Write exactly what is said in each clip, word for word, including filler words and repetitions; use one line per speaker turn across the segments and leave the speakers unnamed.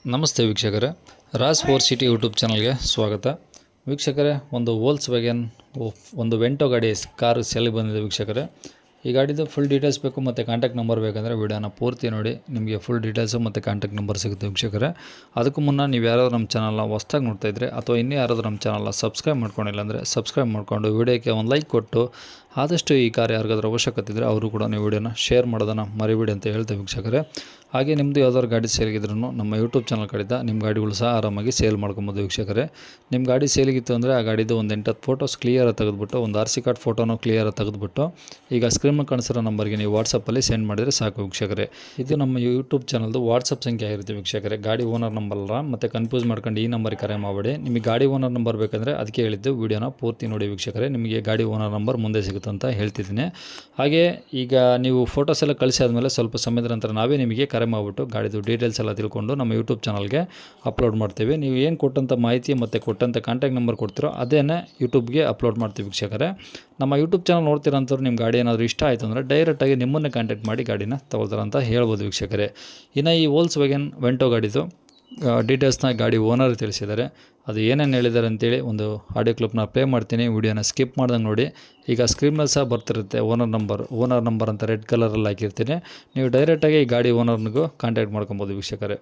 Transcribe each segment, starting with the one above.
ನಮಸ್ತೆ ವೀಕ್ಷಕರೇ, Raj four city YouTube ಚಾನಲ್ಗೆ ಸ್ವಾಗತ. ವೀಕ್ಷಕರೇ, ಒಂದು ವೋಲ್ಸ್ ವ್ಯಾಗನ್ ಒಂದು ವೆಂಟೋ ಗಾಡಿ ಕಾರು ಸೆಲ್ ಬಂದಿದೆ ವೀಕ್ಷಕರೇ. ಈ ಗಾಡಿದು ಫುಲ್ ಡೀಟೇಲ್ಸ್ ಬೇಕು ಮತ್ತು ಕಾಂಟ್ಯಾಕ್ಟ್ ನಂಬರ್ ಬೇಕಂದರೆ ವಿಡಿಯೋನ ಪೂರ್ತಿ ನೋಡಿ, ನಿಮಗೆ ಫುಲ್ ಡೀಟೇಲ್ಸು ಮತ್ತು ಕಾಂಟ್ಯಾಕ್ಟ್ ನಂಬರ್ ಸಿಗುತ್ತೆ ವೀಕ್ಷಕರೇ. ಅದಕ್ಕೂ ಮುನ್ನ ನೀವು ಯಾರಾದರೂ ನಮ್ಮ ಚಾನಲ್ನ ಹೊಸ್ದಾಗಿ ನೋಡ್ತಾ ಇದ್ದರೆ ಅಥವಾ ಇನ್ನೂ ಯಾರಾದರೂ ನಮ್ಮ ಚಾನಲ್ನ ಸಬ್ಸ್ಕ್ರೈಬ್ ಮಾಡ್ಕೊಂಡಿಲ್ಲ ಅಂದರೆ ಸಬ್ಸ್ಕ್ರೈಬ್ ಮಾಡಿಕೊಂಡು ವಿಡಿಯೋಕ್ಕೆ ಒಂದು ಲೈಕ್ ಕೊಟ್ಟು ಆದಷ್ಟು ಈ ಕಾರ್ ಯಾರಿಗಾದ್ರೂ ಅವಶ್ಯಕತೆ ಇದ್ದರೆ ಅವರು ಕೂಡ ನೀವು ವಿಡಿಯೋನ ಶೇರ್ ಮಾಡೋದನ್ನು ಮರಿಬೇಡಿ ಅಂತ ಹೇಳ್ತೇವೆ ವೀಕ್ಷಕರೇ. ಹಾಗೆ ನಿಮ್ಮದು ಯಾವ್ದಾದ್ರು ಗಾಡಿ ಸೇಲಿಗಿದ್ರೂ ನಮ್ಮ ಯೂಟ್ಯೂಬ್ ಚಾನಲ್ ಕಡೆಯಿಂದ ನಿಮ್ಮ ಗಾಡಿಗಳು ಸಹ ಆರಾಮಾಗಿ ಸೇಲ್ ಮಾಡ್ಕೊಬೋದು ವೀಕ್ಷಕರೇ. ನಿಮ್ಮ ಗಾಡಿ ಸೇಲಿಗಿತ್ತು ಅಂದರೆ ಆ ಗಾಡಿದು ಒಂದು ಎಂಟತ್ತು ಫೋಟೋಸ್ ಕ್ಲಿಯರಾಗಿ ತೆಗೆದುಬಿಟ್ಟು ಒಂದು ಆರ್ ಸಿ ಕಾರ್ಡ್ ಫೋಟೋನು ಕ್ಲಿಯರಾಗಿ ತೆಗೆದುಬಿಟ್ಟು ಈಗ ಸ್ಕ್ರೀನ್ ಕಾಣಿಸಿರೋ ನಂಬರ್ಗೆ ನೀವು ವಾಟ್ಸಪ್ಪಲ್ಲಿ ಸೆಂಡ್ ಮಾಡಿದರೆ ಸಾಕು ವೀಕ್ಷಕರೇ. ಇದು ನಮ್ಮ ಯೂಟ್ಯೂಬ್ ಚಾನಲ್ದು ವಾಟ್ಸಪ್ ಸಂಖ್ಯೆ ಆಗಿರುತ್ತೆ ವೀಕ್ಷಕರೇ. ಗಾಡಿ ಓನರ್ ನಂಬರ್ ಅಲ್ಲ, ಮತ್ತು ಕನ್ಫ್ಯೂಸ್ ಮಾಡ್ಕೊಂಡು ಈ ನಂಬರ್ಗೆ ಕರೆ ಮಾಡಬೇಡಿ. ನಿಮಗೆ ಗಾಡಿ ಓನರ್ ನಂಬರ್ ಬೇಕಂದರೆ ಅದಕ್ಕೆ ಹೇಳಿದ್ದು, ವೀಡಿಯೋನ ಪೂರ್ತಿ ನೋಡಿ ವೀಕ್ಷಕರೇ. ನಿಮಗೆ ಗಾಡಿ ಓನರ್ ನಂಬರ್ ಮುಂದೆ ಸಿಗುತ್ತೆ ಅಂತ ಹೇಳ್ತಿದ್ದೀನಿ. ಹಾಗೆ ಈಗ ನೀವು ಫೋಟೋಸ್ ಎಲ್ಲ ಕಳಿಸಿ ಆದಮೇಲೆ ಸ್ವಲ್ಪ ಸಮಯದ ನಂತರ ನಾವೇ ನಿಮಗೆ ಕರೆ ಮಾಡಿಬಿಟ್ಟು ಗಾಡಿದು ಡೀಟೇಲ್ಸ್ ಎಲ್ಲ ತಿಳ್ಕೊಂಡು ನಮ್ಮ ಯೂಟ್ಯೂಬ್ ಚಾನಲ್ಗೆ ಅಪ್ಲೋಡ್ ಮಾಡ್ತೀವಿ. ನೀವು ಏನು ಕೊಟ್ಟಂಥ ಮಾಹಿತಿ ಮತ್ತು ಕೊಟ್ಟಂಥ ಕಾಂಟ್ಯಾಕ್ಟ್ ನಂಬರ್ ಕೊಡ್ತೀರೋ ಅದೇನೇ ಯೂಟ್ಯೂಬ್ಗೆ ಅಪ್ಲೋಡ್ ಮಾಡ್ತೀವಿ ವೀಕ್ಷಕರೇ. ನಮ್ಮ ಯೂಟ್ಯೂಬ್ ಚಾನಲ್ ನೋಡ್ತೀರಂಥವ್ರು ನಿಮ್ಮ ಗಾಡಿ ಏನಾದರೂ ಇಷ್ಟ ಆಯಿತು ಅಂದರೆ ಡೈರೆಕ್ಟಾಗಿ ನಿಮ್ಮನ್ನೇ ಕಾಂಟ್ಯಾಕ್ಟ್ ಮಾಡಿ ಗಾಡಿನ ತೊಗೊಳ್ತಾರೆ ಅಂತ ಹೇಳ್ಬೋದು ವೀಕ್ಷಕರೇ. ಇನ್ನು ಈ ವೋಲ್ಸ್ ವ್ಯಾಗನ್ ವೆಂಟೋ ಗಾಡಿದು ಡೀಟೇಲ್ಸ್ನ ಗಾಡಿ ಓನರ್ ತಿಳಿಸಿದ್ದಾರೆ. ಅದು ಏನೇನು ಹೇಳಿದ್ದಾರೆ ಅಂತೇಳಿ ಒಂದು ಆಡಿಯೋ ಕ್ಲಿಪ್ನ ಪ್ಲೇ ಮಾಡ್ತೀನಿ, ವಿಡಿಯೋನ ಸ್ಕಿಪ್ ಮಾಡ್ದಂಗೆ ನೋಡಿ. ಈಗ ಸ್ಕ್ರೀನ್ ಮೇಲೆ ಸಹ ಬರ್ತಿರುತ್ತೆ ಓನರ್ ನಂಬರ್ ಓನರ್ ನಂಬರ್ ಅಂತ ರೆಡ್ ಕಲರಲ್ಲಿ ಹಾಕಿರ್ತೀನಿ. ನೀವು ಡೈರೆಕ್ಟಾಗಿ ಈ ಗಾಡಿ ಓನರ್ನಿಗೂ ಕಾಂಟ್ಯಾಕ್ಟ್ ಮಾಡ್ಕೊಬೋದು ವೀಕ್ಷಕರೇ.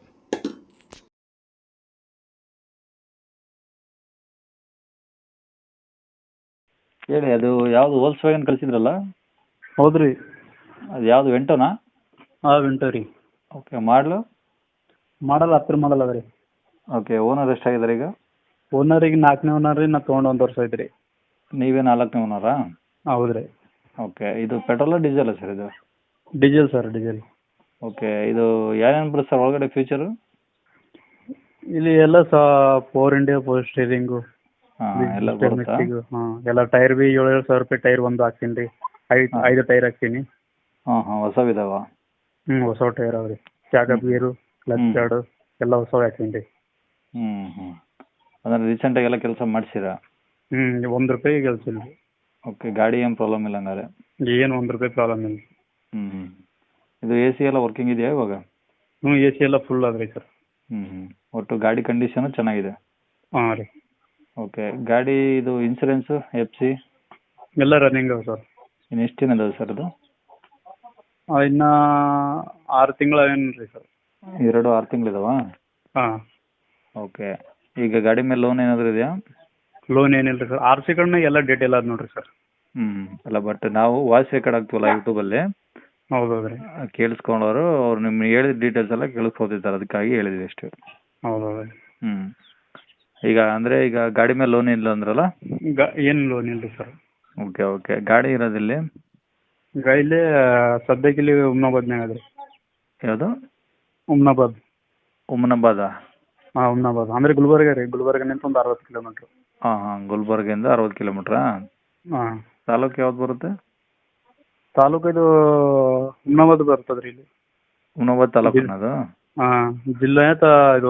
ಹೇಳಿ, ಅದು ಯಾವುದು ವೋಲ್ಸ್ ವ್ಯಾಗನ್ ಕಳಿಸಿದ್ರಲ್ಲ?
ಹೌದು ರೀ.
ಅದು ಯಾವುದು ವೆಂಟೋನಾ?
ಹಾಂ, ವೆಂಟೋ ರೀ.
ಓಕೆ, ಮಾಡಲು
ಮಾಡಲ್ ಹತ್ತರ ಮಾಡಲ್ ಅದ ರೀ.
ಓಕೆ, ಓನರ್ ಎಷ್ಟಾಗಿದ್ದಾರೆ ಈಗ?
ಓನರಿಗೆ ನಾಲ್ಕನೇ ಓನರ್ ರೀ. ನಾ ತೊಗೊಂಡು ಒಂದು ವರ್ಷ ಆಯ್ತು ರೀ.
ನೀವೇ ನಾಲ್ಕನೇ ಓನರಾ?
ಹೌದು ರೀ.
ಓಕೆ, ಇದು ಪೆಟ್ರೋಲ ಡೀಸೆಲ್ಲ ಸರ್ ಇದು?
Diesel sir, diesel.
ಓಕೆ, ಇದು ಏನೇನು ಬರುತ್ತೆ ಸರ್ ಒಳಗಡೆ ಫೀಚರು?
ಇಲ್ಲಿ ಎಲ್ಲ ಸಹ ಫೋರ್ ಇಂಡಿಯಾ ಫೋರ್ ಸ್ಟೀರಿಂಗು
ಹಾಂ ಎಲ್ಲ ಬರುತ್ತಾ?
ಹಾಂ, ಎಲ್ಲ ಟೈರ್ ಬಿ ಏಳು ಏಳು ಸಾವಿರ ರೂಪಾಯಿ ಟೈರ್ ಒಂದು ಹಾಕ್ತೀನಿ ರೀ. ಐದು ಐದು ಟೈರ್ ಹಾಕ್ತೀನಿ.
ಹಾಂ ಹಾಂ ಹೊಸವಿದಾವ?
ಹ್ಞೂ, ಹೊಸ ಟೈರ್ ಅವ ರೀ. ಚಾಕಪ್ ಗೀರು, ಕ್ಲಚ್ ಪ್ಯಾಡು ಎಲ್ಲ ಹೊಸವು ಹಾಕ್ತೀನಿ ರೀ.
ಹ್ಞೂ ಹ್ಞೂ ಅಂದರೆ ರೀಸೆಂಟಾಗಿ ಎಲ್ಲ ಕೆಲಸ ಮಾಡಿಸಿರಾ?
ಹ್ಞೂ, ಒಂದು ರೂಪಾಯಿ ಕೆಲಸ ಇಲ್ಲ ರೀ.
ಓಕೆ, ಗಾಡಿ ಏನು ಪ್ರಾಬ್ಲಮ್ ಇಲ್ಲ ಹಂಗಾರೆ?
ಏನು ಒಂದು ರೂಪಾಯಿ ಪ್ರಾಬ್ಲಮ್ ಇಲ್ಲ.
ಹ್ಞೂ ಹ್ಞೂ ಇದು ಎ ಸಿ ಎಲ್ಲ ವರ್ಕಿಂಗ್ ಇದೆಯಾ ಇವಾಗ?
ಹ್ಞೂ, ಎ ಸಿ ಎಲ್ಲ ಫುಲ್ ಅದ ರೀ ಸರ್.
ಹ್ಞೂ ಹ್ಞೂ ಒಟ್ಟು ಗಾಡಿ ಕಂಡೀಷನು ಚೆನ್ನಾಗಿದೆ?
ಹಾಂ ರೀ.
ಓಕೆ, ಗಾಡಿ ಇದು ಇನ್ಸೂರೆನ್ಸು ಎಫ್ ಸಿ
ಎಲ್ಲ ರನ್ನಿಂಗ್ ಅವ ಸರ್.
ಇನ್ನು ಎಷ್ಟು ದಿನ ಇದಾವೆ ಸರ್ ಅದು?
ಇನ್ನು ಆರು ತಿಂಗಳು ಏನು ರೀ ಸರ್.
ಎರಡು ಆರು ತಿಂಗಳಿದಾವಾ?
ಹಾಂ.
ಓಕೆ, ಈಗ ಗಾಡಿ ಮೇಲೆ ಲೋನ್ ಏನಾದರೂ ಇದೆಯಾ?
ಲೋನ್ ಏನಿಲ್ಲ ರೀ ಸರ್. ಆರ್ ಸಿ ಕಾರ್ಡ್ನಾಗ ಎಲ್ಲ ಡೀಟೇಲ್ ಅದ ನೋಡಿರಿ ಸರ್.
ಹ್ಞೂ ಅಲ್ಲ, ಬಟ್ ನಾವು ವಾಯ್ಸ್ ರೆಕಾರ್ಡ್ ಆಗ್ತೀವಲ್ಲ ಯೂಟ್ಯೂಬಲ್ಲಿ,
ಹೌದು ಹೌದು ರೀ.
ಕೇಳಿಸ್ಕೊಂಡವರು ಅವ್ರು ನಿಮ್ಗೆ ಹೇಳಿದ ಡೀಟೇಲ್ಸ್ ಎಲ್ಲ ಕೇಳಿಸ್ಕೊತಿದ್ದಾರೆ, ಅದಕ್ಕಾಗಿ ಹೇಳಿದ್ವಿ ಅಷ್ಟೇ.
ಹೌದು ಹೌದು.
ಹ್ಞೂ ಈಗ ಅಂದರೆ ಈಗ ಗಾಡಿ ಮೇಲೆ ಲೋನ್ ಇಲ್ಲ ಅಂದ್ರಲ್ಲ?
ಈಗ ಏನು ಲೋನ್ ಇಲ್ಲ ರೀ ಸರ್.
ಓಕೆ ಓಕೆ ಗಾಡಿ ಇರೋದಿಲ್ಲಿ?
ಈಗ ಇಲ್ಲಿ ಸದ್ಯಕ್ಕೆ ಇಲ್ಲಿ ಉಮ್ನಾಬಾದ್ನಾಗ ಅದ ರೀ.
ಯಾವುದು?
ಉಮ್ನಾಬಾದ್.
ಉಮ್ನಾಬಾದ?
ಹಾಂ, ಉಮ್ನಾಬಾದ್ ಅಂದರೆ ಗುಲ್ಬರ್ಗ ರೀ. ಗುಲ್ಬರ್ಗನಿಂದ ಒಂದು ಅರವತ್ತು ಕಿಲೋಮೀಟ್ರ್.
ಹಾಂ ಹಾಂ ಗುಲ್ಬರ್ಗಿಂದ ಅರವತ್ತು ಕಿಲೋಮೀಟ್ರಾ?
ಹಾಂ.
ತಾಲೂಕು ಯಾವ್ದು ಬರುತ್ತೆ?
ತಾಲೂಕು ಇದು ಉಮ್ನಾಬಾದ್ ಬರ್ತದೆ ರೀ ಇಲ್ಲಿ.
ಉಮ್ನಾಬಾದ್ ತಾಲೂಕು ಅದು?
ಹಾಂ, ಜಿಲ್ಲೆ ತ ಇದು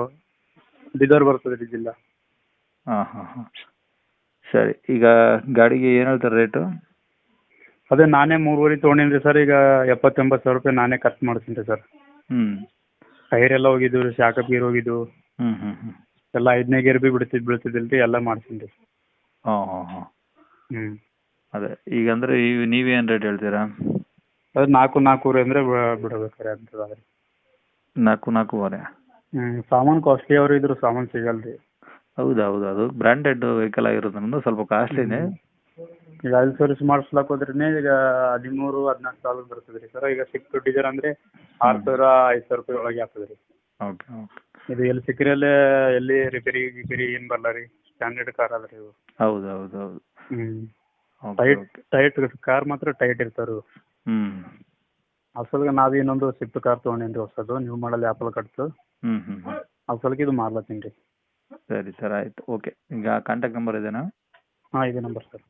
ಬೀದರ್ ಬರ್ತದೆ ರೀ ಜಿಲ್ಲಾ.
ಹಾಂ ಹಾಂ ಹಾಂ ಸರಿ. ಈಗ ಗಾಡಿಗೆ ಏನು ಹೇಳ್ತಾರೆ ರೇಟು?
ಅದೇ ನಾನೇ ಮೂರುವರೆ ತೊಗೊಂಡಿನಿ ರೀ ಸರ್. ಈಗ ಎಪ್ಪತ್ತೆಂಬತ್ತು ಸಾವಿರ ರೂಪಾಯಿ ನಾನೇ ಖರ್ಚು ಮಾಡ್ತೀನಿ ರೀ ಸರ್.
ಹ್ಞೂ
ಟೈರ್ ಎಲ್ಲ ಹೋಗಿದ್ದು ರೀ, ಶಾಕಪ್ ಗೀರ್ ಹೋಗಿದ್ದು
ಹ್ಞೂ ಹ್ಞೂ ಹ್ಞೂ
ಎಲ್ಲ ಐದನೇ ಗೇರ್ ಬಿ ಬಿಡ್ತಿದ್ದು ಬೀಳ್ತಿದ್ದಿಲ್ಲ ರೀ, ಎಲ್ಲ ಮಾಡ್ತೀನಿ ರೀ.
ಹಾಂ ಹಾಂ ಹಾಂ
ಹ್ಞೂ
ಅದೇ ಈಗ ಅಂದರೆ ಈಗ ನೀವೇನು ರೇಟ್ ಹೇಳ್ತೀರಾ?
ಅದು ನಾಲ್ಕು ನಾಲ್ಕೂವರೆ ಅಂದರೆ ಬಿಡಬೇಕಾರೆ ಆಗ್ತದೆ ರೀ.
ನಾಲ್ಕು ನಾಲ್ಕೂವರೆ?
ಹ್ಞೂ ಸಾಮಾನು ಕಾಸ್ಟ್ಲಿ ಅವ್ರು ಇದ್ರು ಸಾಮಾನು ಸಿಗಲ್ಲ ರೀ.
ಹೌದು ಹೌದು ಅದು ಬ್ರ್ಯಾಂಡೆಡ್ ವೆಹಿಕಲ್ ಆಗಿರೋದ್ರಿಂದ ಸ್ವಲ್ಪ ಕಾಸ್ಟ್ಲಿನೇ.
ಈಗ ಆಯಿಲ್ ಸರ್ವಿಸ್ ಮಾಡಿಸ್ಲಾಕ್ ಹೋದ್ರೇ ಈಗ ಹದಿಮೂರು ಹದಿನಾಲ್ಕು ಸಾವಿರ ಬರ್ತದೆ ರೀ ಸರ್. ಈಗ ಸಿಕ್ಸ್ ಡೀಸೆಲ್ ಅಂದರೆ ಆರು ಸಾವಿರ ಐದು ಸಾವಿರ ರೂಪಾಯಿ ಒಳಗೆ ಆಗ್ತದೆ ರೀ.
ಓಕೆ ಓಕೆ
ಇದು ಎಲ್ಲಿ ಸಿಕ್ಕಿರಲ್ಲೇ ಎಲ್ಲಿ ರಿಪೇರಿ ಗಿಪೇರಿ ಏನು ಬರಲ್ಲ ರೀ. ಸ್ಟ್ಯಾಂಡರ್ಡ್ ಕಾರ್ ಅದ ರೀ ಇವು.
ಹೌದು ಹೌದು ಹೌದು
ಹ್ಞೂ ಟೈಟ್ ಟೈಟ್ ಕಾರ್ ಮಾತ್ರ ಟೈಟ್ ಇರ್ತಾರೆ.
ಹ್ಞೂ
ಅಸಲ್ಗೆ ನಾವು ಇನ್ನೊಂದು ಸ್ವಿಫ್ಟ್ ಕಾರ್ ತೊಗೊಂಡೇನಿ ರೀ ಹೊಸದು, ನ್ಯೂ ಮಾಡಲ್ ಆ್ಯಪಲ್ ಕಟ್ತು.
ಹ್ಞೂ ಹ್ಞೂ ಹ್ಞೂ
ಅಸಲ್ಗೆ ಇದು ಮಾರ್ಲತ್ತೀನಿ ರೀ.
ಸರಿ ಸರ್ ಆಯಿತು. ಓಕೆ, ಈಗ ಕಾಂಟ್ಯಾಕ್ಟ್ ನಂಬರ್ ಇದೆಯಾ?
ಹಾಂ, ಇದೇ ನಂಬರ್ ಸರ್.